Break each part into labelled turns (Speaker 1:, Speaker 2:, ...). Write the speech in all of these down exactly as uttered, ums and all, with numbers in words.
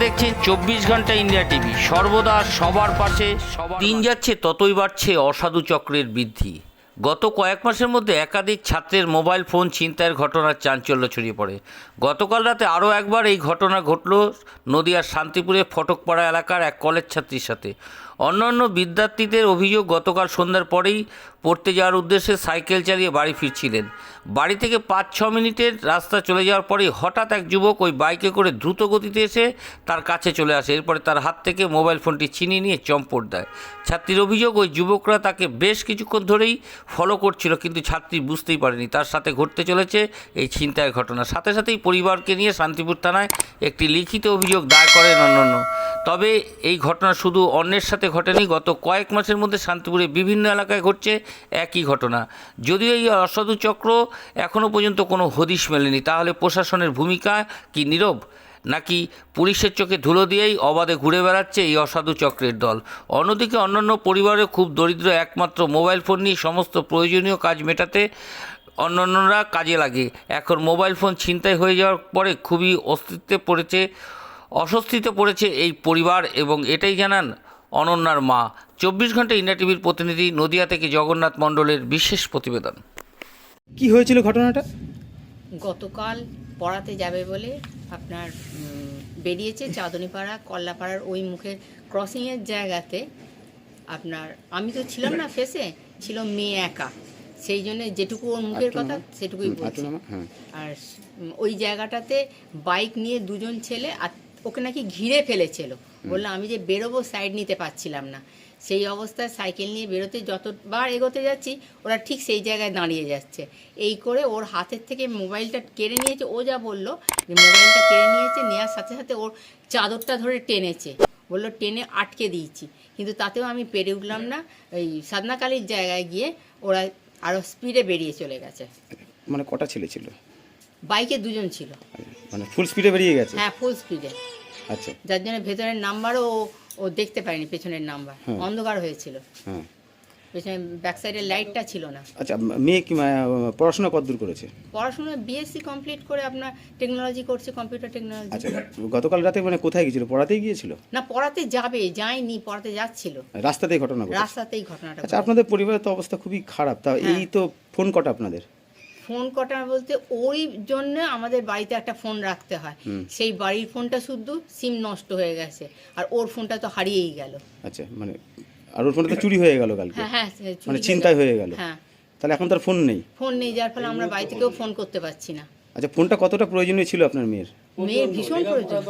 Speaker 1: দেখছেন চব্বিশ ঘন্টা ইন্ডিয়া টিভি, সর্বদা সবার পাশে। সবার দিন যাচ্ছে ততই বাড়ছে অসাধু চক্রের বৃদ্ধি। গত কয়েক মাসের মধ্যে একাধিক ছাত্রের মোবাইল ফোন ছিনতাইয়ের ঘটনার চাঞ্চল্য ছড়িয়ে পড়ে। গতকাল রাতে আরও একবার এই ঘটনা ঘটল নদিয়ার শান্তিপুরে ফটকপাড়া এলাকার এক কলেজ ছাত্রীর সাথে। অন্যান্য বিদ্যার্থীদের অভিযোগ, গতকাল সন্ধ্যার পরেই পড়তে যাওয়ার উদ্দেশ্যে সাইকেল চালিয়ে বাড়ি ফিরছিলেন। বাড়ি থেকে পাঁচ ছ মিনিটের রাস্তা চলে যাওয়ার পরেই হঠাৎ এক যুবক ওই বাইকে করে দ্রুত গতিতে এসে তার কাছে চলে আসে। এরপরে তার হাত থেকে মোবাইল ফোনটি ছিনিয়ে নিয়ে চম্পট দেয়। ছাত্রীর অভিযোগ, ওই যুবকরা তাকে বেশ কিছুক্ষণ ধরেই ফলো করছিল, কিন্তু ছাত্রী বুঝতেই পারেনি তার সাথে ঘটতে চলেছে এই ছিনতাইয়ের ঘটনা। সাথে সাথেই পরিবারকে নিয়ে শান্তিপুর থানায় একটি লিখিত অভিযোগ দায়ের করেন অন্যান্য। তবে এই ঘটনা শুধু অন্যের সাথে ঘটেনি, গত কয়েক মাসের মধ্যে শান্তিপুরে বিভিন্ন এলাকায় ঘটছে একই ঘটনা। যদিও এই অসাধু চক্র এখনও পর্যন্ত কোনো হদিশ মেলেনি, তাহলে প্রশাসনের ভূমিকা কি নীরব, নাকি পুলিশের চোখে ধুলো দিয়েই অবাধে ঘুরে বেড়াচ্ছে এই অসাধু চক্রের দল? অন্যদিকে অন্যান্য পরিবারে খুব দরিদ্র, একমাত্র মোবাইল ফোন নিয়ে সমস্ত প্রয়োজনীয় কাজ মেটাতে অন্যান্যরা কাজে লাগে। এখন মোবাইল ফোন ছিনতাই হয়ে যাওয়ার পরে খুবই অস্তিত্বে পড়েছে অস্বস্তিতে পড়েছে এই পরিবার, এবং এটাই জানান অনন্যার মা। চব্বিশ ঘন্টা ইন্ডিয়া টিভির প্রতিনিধি নদিয়া থেকে জগন্নাথ মণ্ডলের বিশেষ প্রতিবেদন।
Speaker 2: কি হয়েছিল ঘটনাটা?
Speaker 3: গতকাল পড়াতে যাবে বলে আপনার উম, বেরিয়েছে চাঁদনীপাড়া কল্লাপাড়ার ওই মুখের ক্রসিংয়ের জায়গাতে। আপনার আমি তো ছিলাম না, ফেসে ছিল মেয়ে একা, সেই জন্য যেটুকু ওর মুখের কথা সেটুকুই বলছি। আর উম, ওই জায়গাটাতে বাইক নিয়ে দুজন ছেলে, আর ওকে নাকি ঘিরে ফেলেছিল। বললো আমি যে বেরোবো সাইড নিতে পারছিলাম না, সেই অবস্থায় সাইকেল নিয়ে বেরোতে যতবার এগোতে যাচ্ছি ওরা ঠিক সেই জায়গায় দাঁড়িয়ে যাচ্ছে। এই করে ওর হাতের থেকে মোবাইলটা কেড়ে নিয়েছে। ও যা বললো যে মোবাইলটা কেড়ে নিয়েছে, নেওয়ার সাথে সাথে ওর চাদরটা ধরে টেনেছে, বললো টেনে আটকে দিয়েছি, কিন্তু তাতেও আমি পেরে উঠলাম না। ওই সাধনাকালীর জায়গায় গিয়ে ওরা আরও স্পিডে বেরিয়ে চলে গেছে।
Speaker 2: মানে কটা ছেলে ছিল?
Speaker 3: বাইকে দুজন ছিল।
Speaker 2: মানে ফুল স্পিডে বেরিয়ে গেছে?
Speaker 3: হ্যাঁ, ফুল স্পিডে।
Speaker 2: আচ্ছা,
Speaker 3: যার জন্য ভেতরের নাম্বারও ও ও দেখতে পারেনি, পেছনের নাম্বার অন্ধকার হয়েছিল।
Speaker 2: হ্যাঁ,
Speaker 3: পেছনে ব্যাক সাইডের লাইটটা ছিল না।
Speaker 2: আচ্ছা, মেয়ে কি আহ, পড়াশোনা কতদূর করেছে?
Speaker 3: পড়াশোনা বিএসসি কমপ্লিট করে আপনার টেকনোলজি করছে, কম্পিউটার টেকনোলজি।
Speaker 2: আচ্ছা, গতকাল রাতে মানে কোথায় গিয়েছিল? পড়াতেই গিয়েছিল?
Speaker 3: না, পড়াতে যাবে, যায়নি, পড়াতে যাচ্ছিল।
Speaker 2: রাস্তাতেই ঘটনা ঘটেছে?
Speaker 3: রাস্তাতেই ঘটনাটা।
Speaker 2: আচ্ছা, আপনাদের পরিবারের তো অবস্থা খুবই খারাপ, তা এই তো ফোন কটা আপনাদের?
Speaker 3: ফোন কটা বলতে ওই জন্য আমাদের বাড়িতে একটা ফোন রাখতে হয়, সেই বাড়ির ফোনটা শুধু সিম নষ্ট হয়ে গেছে, আর ওর ফোনটা তো হারিয়েই গেল।
Speaker 2: আচ্ছা, মানে আর ওর ফোনটা তো চুরি হয়ে গেল কালকে?
Speaker 3: হ্যাঁ হ্যাঁ,
Speaker 2: মানে ছিনতাই হয়ে গেল?
Speaker 3: হ্যাঁ।
Speaker 2: তাহলে এখন তার ফোন নেই?
Speaker 3: ফোন নেই, যার ফলে আমরা বাড়ি থেকেও ফোন করতে পারছি না।
Speaker 2: আচ্ছা, ফোনটা কতটা প্রয়োজনীয় ছিল আপনার মেয়ের?
Speaker 3: মেয়ের ভীষণ প্রয়োজন।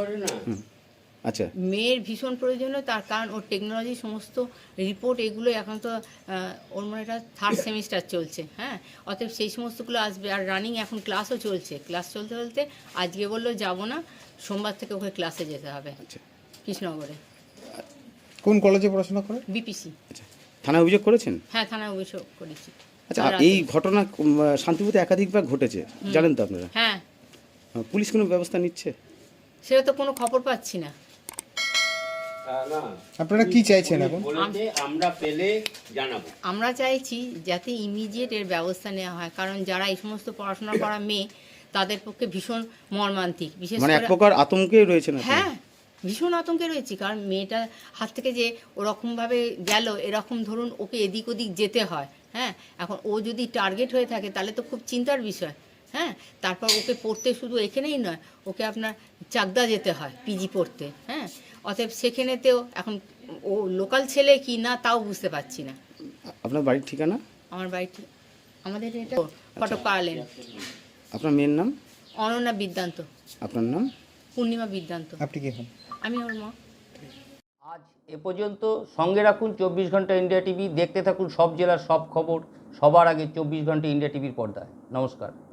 Speaker 2: আচ্ছা,
Speaker 3: মেয়ের ভীষণ প্রয়োজনীয়, তার কারণ ওর টেকনোলজি সমস্ত রিপোর্ট এগুলো এখন তো আহ, ওর মনে এটা থার্ড সেমিস্টার চলছে। হ্যাঁ, অতএব সেই সমস্তগুলো আসবে, আর রানিং এখন ক্লাসও চলছে। ক্লাস চলতে চলতে আজকে বললো যাবো না, সোমবার থেকে ওকে ক্লাসে যেতে হবে।
Speaker 2: আচ্ছা,
Speaker 3: কৃষ্ণনগরে।
Speaker 4: কোন কলেজে পড়াশোনা করে?
Speaker 3: বিপিসি।
Speaker 2: আচ্ছা, থানায় অভিযোগ করেছেন?
Speaker 3: হ্যাঁ, থানায় অভিযোগ করেছি।
Speaker 2: আচ্ছা, এই ঘটনা উম, শান্তিপুরে একাধিকবার ঘটেছে, জানেন তো আপনারা?
Speaker 3: হ্যাঁ।
Speaker 2: পুলিশ কোনো ব্যবস্থা নিচ্ছে?
Speaker 3: সেটা তো কোনো খবর পাচ্ছি না।
Speaker 4: আপনারা কি চাইছেন এখন?
Speaker 1: আমরা পেলে জানাবো।
Speaker 3: আমরা চাইছি যাতে ইমিডিয়েট এর ব্যবস্থা নেওয়া হয়, কারণ যারা এই সমস্ত পড়াশোনা করা মেয়ে তাদের পক্ষে ভীষণ মর্মান্তিক। বিশেষ
Speaker 2: মানে এক
Speaker 3: করে
Speaker 2: প্রকার আতঙ্কে রয়েছে না?
Speaker 3: হ্যাঁ, ভীষণ আতঙ্কে রয়েছি, কারণ মেয়েটার হাত থেকে যে ওরকমভাবে গেল, এরকম ধরুন ওকে এদিক ওদিক যেতে হয়। হ্যাঁ, এখন ও যদি টার্গেট হয়ে থাকে তাহলে তো খুব চিন্তার বিষয়। হ্যাঁ, তারপর ওকে পড়তে শুধু এখানেই নয়, ওকে আপনার চাকদা যেতে হয় পিজি পড়তে। হ্যাঁ, অতএব সেখানেতেও এখন ও লোকাল ছেলে কি না তাও বুঝতে পারছি না।
Speaker 2: আপনার বাড়ির ঠিকানা?
Speaker 3: আমার বাড়িতে আমাদের এটা ফটক পাড়ালেন।
Speaker 2: আপনার মেয়ের নাম?
Speaker 3: অনন্যা বিদ্যান্ত।
Speaker 2: আপনার নাম?
Speaker 3: পূর্ণিমা বিদ্যান্ত।
Speaker 4: আপনি কি হন?
Speaker 3: আমি ওর মা।
Speaker 1: আজ এ পর্যন্ত। সঙ্গে রাখুন চব্বিশ ঘন্টা ইন্ডিয়া টিভি, দেখতে থাকুন সব জেলার সব খবর সবার আগে চব্বিশ ঘন্টা ইন্ডিয়া টিভির পর্দায়। নমস্কার।